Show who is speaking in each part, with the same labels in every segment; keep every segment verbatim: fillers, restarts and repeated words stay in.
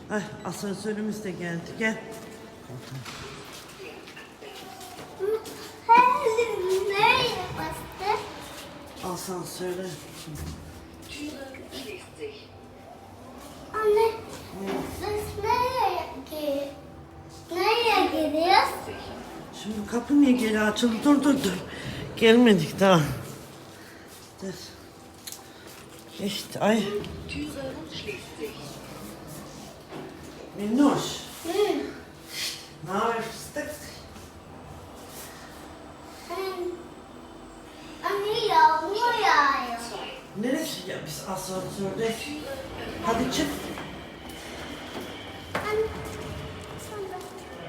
Speaker 1: Ay, asansörümüz de geldi. Gel.
Speaker 2: Nereye bastı?
Speaker 1: Asansöre.
Speaker 2: Anne, biz nereye gidiyoruz? Nereye gidiyoruz?
Speaker 1: Şimdi kapı niye geri açıldı? Dur dur dur. Gelmedik daha. Dur. Geçti. Ay. Minnoş.
Speaker 2: Hı.
Speaker 1: Ne haber fıstık?
Speaker 2: Anne yağmur yağıyor.
Speaker 1: Neresi ya biz asansörde? Hadi çık.
Speaker 2: Anne, sonra.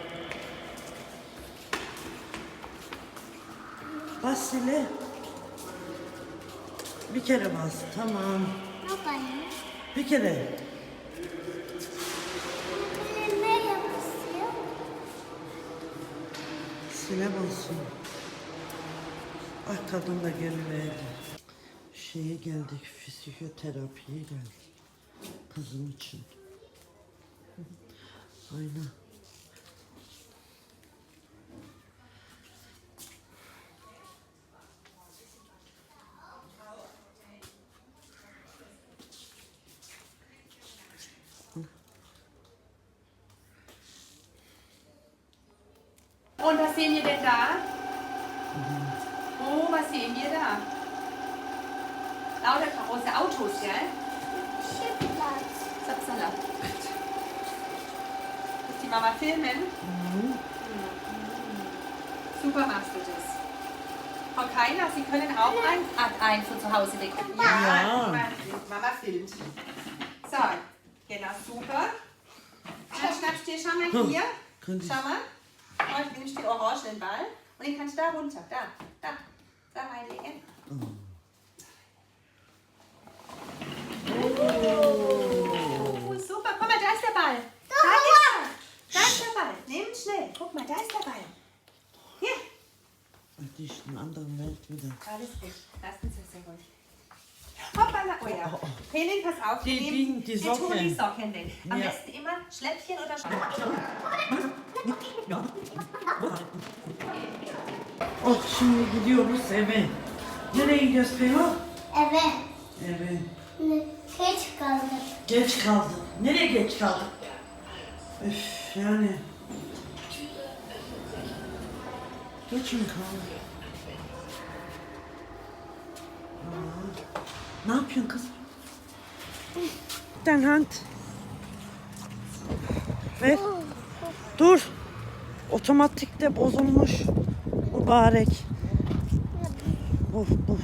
Speaker 1: Bas Sile. Bir kere bas. Tamam.
Speaker 2: Ne yapayım?
Speaker 1: Bir kere.
Speaker 2: Nereye basıyor?
Speaker 1: Sile basın. Ay kadın da geliverdi. Şeye geldik, fizyoterapiye geldik. Kızım için. Aynen.
Speaker 3: Und was sehen wir denn da? Oh, was sehen wir da? Lauter große Autos, gell?
Speaker 2: Schiffplatz.
Speaker 3: Zapsala. Muss die Mama filmen? Super machst du das. Frau Keiner, Sie können auch ein, ein von zu Hause weg.
Speaker 1: Ja.
Speaker 3: Mama filmt. So, genau, super. Dann schnappst du dir schon mal hier.
Speaker 1: Könnte ich-
Speaker 3: Schau mal. Oh, ich nehme den orangenen Ball und den kannst du da runter. Da, da. Da reinlegen. Oh, super. Guck mal, da ist der Ball. Da ist er. Da ist der Ball. Nimm ihn schnell. Guck mal, da ist der Ball. Hier.
Speaker 1: Die ist in einer anderen Welt wieder.
Speaker 3: Alles gut. Lass uns das sehr ruhig. Hoppala. Oh ja.
Speaker 1: Oh, oh.
Speaker 3: Helene, pass auf.
Speaker 1: Die-
Speaker 3: wir
Speaker 1: die-
Speaker 3: nehmen-
Speaker 1: die
Speaker 3: wir tun die
Speaker 1: Socken.
Speaker 3: Socken weg. Am
Speaker 1: Ja.
Speaker 3: besten immer Schläppchen oder Schläppchen.
Speaker 1: Oh şimdi gidiyoruz eve. Nereye gidiyoruz Peyho?
Speaker 2: Eve.
Speaker 1: Eve.
Speaker 2: Ne? Geç kaldık.
Speaker 1: Geç kaldık. Nereye geç kaldık? Üf yani. Geç mi kaldık? Aa, ne yapıyorsun kız? Den hand. Ver. Dur. Otomatikte bozulmuş. Mübarek. Of of.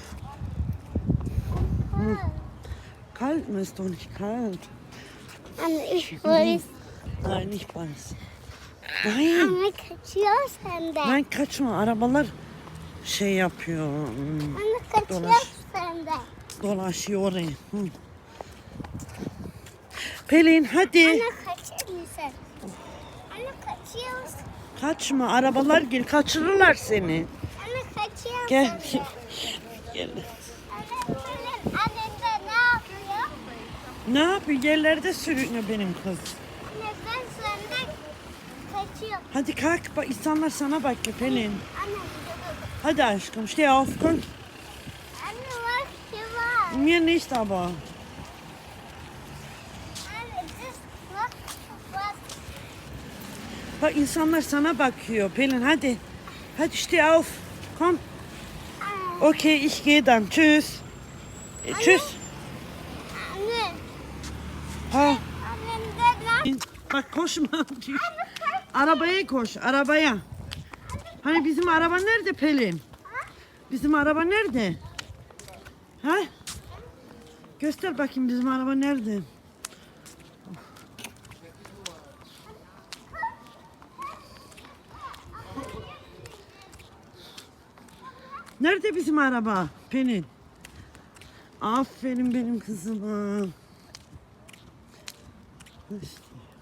Speaker 1: Hm. Kalt mir ist doch nicht kalt.
Speaker 2: Anne, ich weiß.
Speaker 1: Nein, nicht beiß. Nein.
Speaker 2: Anne kaçıyor sende.
Speaker 1: Nein kaçma. Arabalar şey yapıyor. hmm,
Speaker 2: Anne kaçıyor
Speaker 1: Dolaş.
Speaker 2: sende.
Speaker 1: Dolaşıyor oraya. Hı. Pelin hadi.
Speaker 2: Anne kaçır mısın? Anne kaçıyorsun.
Speaker 1: Kaçma. Arabalar gel. Kaçırırlar seni.
Speaker 2: Anne kaçıyorsun.
Speaker 1: Gel. Gel.
Speaker 2: Anne senin annemde ne yapıyor?
Speaker 1: Ne yapıyor? Yerlerde sürünüyor benim kız.
Speaker 2: Anne ben senden kaçıyorum.
Speaker 1: Hadi kalk. Bak, insanlar sana bakıyor Pelin.
Speaker 2: Anne,
Speaker 1: Hadi aşkım. Steh auf. Komm.
Speaker 2: anne bak şu var.
Speaker 1: Mir nicht aber.
Speaker 2: Anne das bak bak.
Speaker 1: Bak insanlar sana bakıyor. Pelin hadi. Hadi steh auf. Komm.
Speaker 2: Anne,
Speaker 1: Okay, ich gehe dann. Tschüss. E, tschüss.
Speaker 2: anne,
Speaker 1: Ha.
Speaker 2: annemde ne?
Speaker 1: Bak koşma. Arabaya koş. Arabaya. Hani bizim araba nerede Pelin? Bizim araba nerede? Ha? Göster bakayım bizim araba nerede? Nerede bizim araba Pelin? Aferin benim kızıma. İşte.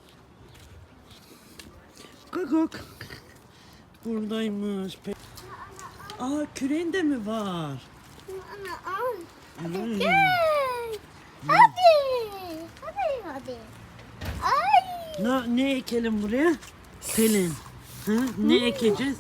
Speaker 1: Guguk. Buradaymış. Pe- Aa küreğin de mi var?
Speaker 2: Anne al. Hadi
Speaker 1: Hmm.
Speaker 2: gel. Hadi. Hadi hadi. Ay.
Speaker 1: Ne, ne ekelim buraya? Pelin. Hı? Ne ekeceğiz?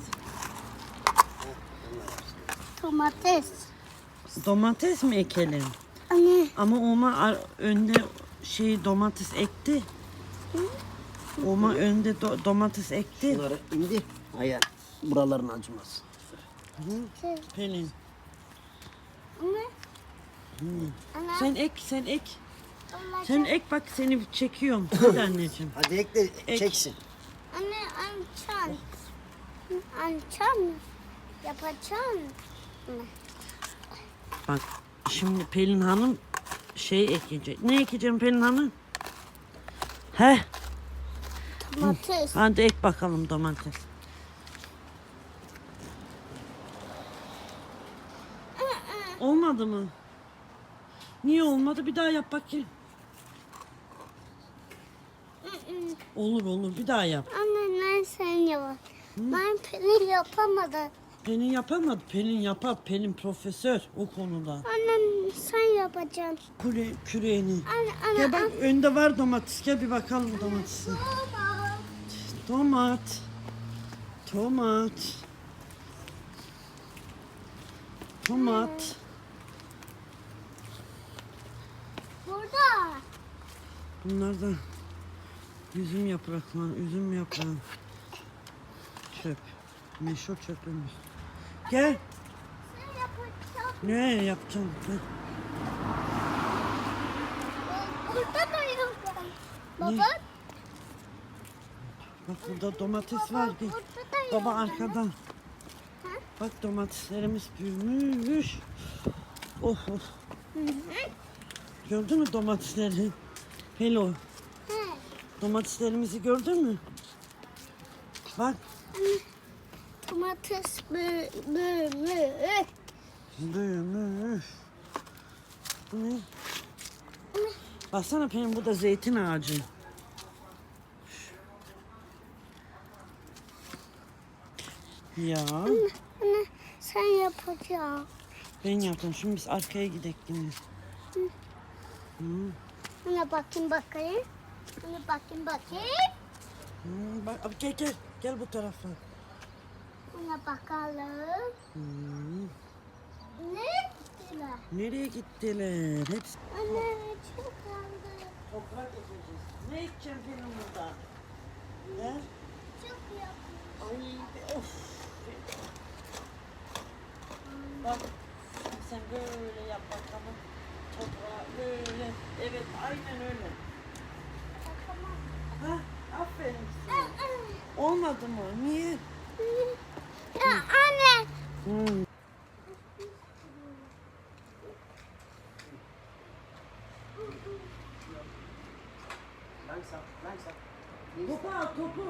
Speaker 2: Domates.
Speaker 1: Domates mi ekelim?
Speaker 2: Anne.
Speaker 1: Ama Oma ar- önde şey domates ekti. Oma önde do- domates ekti.
Speaker 4: Bunları indi. Hayır. Buraların acımaz.
Speaker 1: Pelin.
Speaker 2: Anne. Anne.
Speaker 1: Sen ek, sen ek.
Speaker 2: Anne.
Speaker 1: Sen ek bak seni çekiyorum. Hadi anneciğim.
Speaker 4: Hadi ekle
Speaker 1: Ek.
Speaker 4: çeksin.
Speaker 2: Anne ançan. Ançan. Yapacağım. Anne.
Speaker 1: Bak şimdi Pelin Hanım şey ekecek. Ne ekeceğim Pelin Hanım? He?
Speaker 2: Domates.
Speaker 1: Hadi ek bakalım domates. Olmadı mı? Niye olmadı? Bir daha yap bakayım. Olur olur bir daha yap.
Speaker 2: Anne ben sen yap. Ben peynir yapamadım.
Speaker 1: Pelin yapamadı. Pelin yapar. Pelin profesör o konuda.
Speaker 2: Anne sen yapacaksın.
Speaker 1: Küre, küreğini.
Speaker 2: Anne anne.
Speaker 1: Gel bak önde var domates. Gel bir bakalım domatesi.
Speaker 2: Baba.
Speaker 1: Tomat. Tomat. Tomat.
Speaker 2: Burada.
Speaker 1: Bunlar da üzüm yaprakları, üzüm yaprağı. Çöp. Meşhur çöpümüz. Gel.
Speaker 2: Sen yapacaksın.
Speaker 1: Ne yapacağım? Gel.
Speaker 2: Burada da yok. Baba.
Speaker 1: Ne? Bak burada domates var. Gel.
Speaker 2: Burada da yok.
Speaker 1: Baba arkadan. Bak domateslerimiz büyümüş. Oh oh. Gördün mü domatesleri? Hello.
Speaker 2: He.
Speaker 1: Domateslerimizi gördün mü? Bak.
Speaker 2: Domates bö bö bö.
Speaker 1: Büyümüş. Bu ne? Baksana Pelin bu da zeytin ağacı. Ya
Speaker 2: Anne sen yapacaksın.
Speaker 1: ben yaptım. Şimdi biz arkaya gidelim yine.
Speaker 2: Anne bakayım bakayım. Anne bakayım bakayım.
Speaker 1: Hmm, bak abi gel gel. Gel bu tarafa.
Speaker 2: Anne bakalım.
Speaker 1: Hmm,
Speaker 2: Ne gittiler?
Speaker 1: nereye gittiler? Hepsi
Speaker 2: Anne çok kaldı.
Speaker 1: toprak ekeceğiz. Ne ekeceğim Pelin burada? He?
Speaker 2: Çok yapmış.
Speaker 1: Ay be, of. Bak sen böyle yap bakalım. Toprağı böyle. Evet aynen öyle.
Speaker 2: Bakamam.
Speaker 1: Ha, aferin size. Olmadı mı? Niye?
Speaker 2: Ya anne.
Speaker 1: Hmm.
Speaker 4: Langsam, langsam.
Speaker 1: Topu al topu.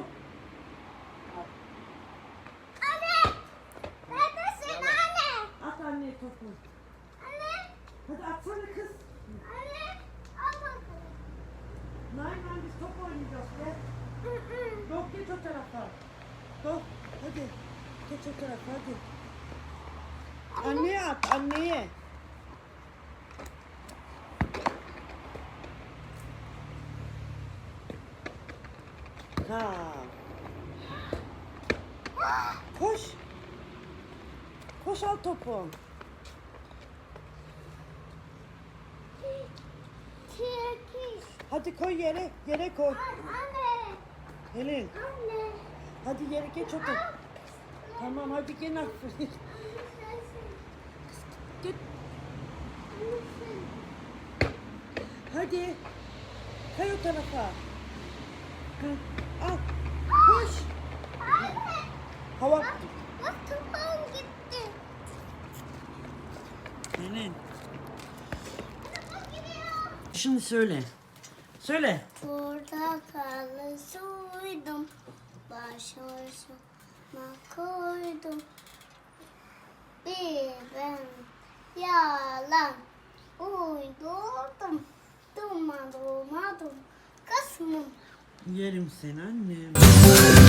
Speaker 2: Anne. Neredesin anne?
Speaker 1: At anne topu.
Speaker 2: Anne.
Speaker 1: Hadi atsana kız.
Speaker 2: Anne. Al bakalım.
Speaker 1: Nein nein biz top oynayacağız gel. Yok geç o tarafa. Yok hadi. Geç o tarafa hadi. Anneye at anneye. Ha. Koş. Koş al topu.
Speaker 2: Çekiş.
Speaker 1: Hadi koy yere. Yere koy.
Speaker 2: Anne.
Speaker 1: Helin.
Speaker 2: Anne.
Speaker 1: Hadi yere geç otur. Tamam hadi gel aferin. Git. Hadi. Kay o tarafa. Hı, al. Koş.
Speaker 2: Anne.
Speaker 1: Hava.
Speaker 2: Bak topum gitti.
Speaker 1: Helin. Şimdi söyle. Söyle.
Speaker 2: Portakalı soydum, başucuma koydum. Bir ben yalan uydurdum, durmadım, durmadım, kısmım.
Speaker 1: Yerim seni annem.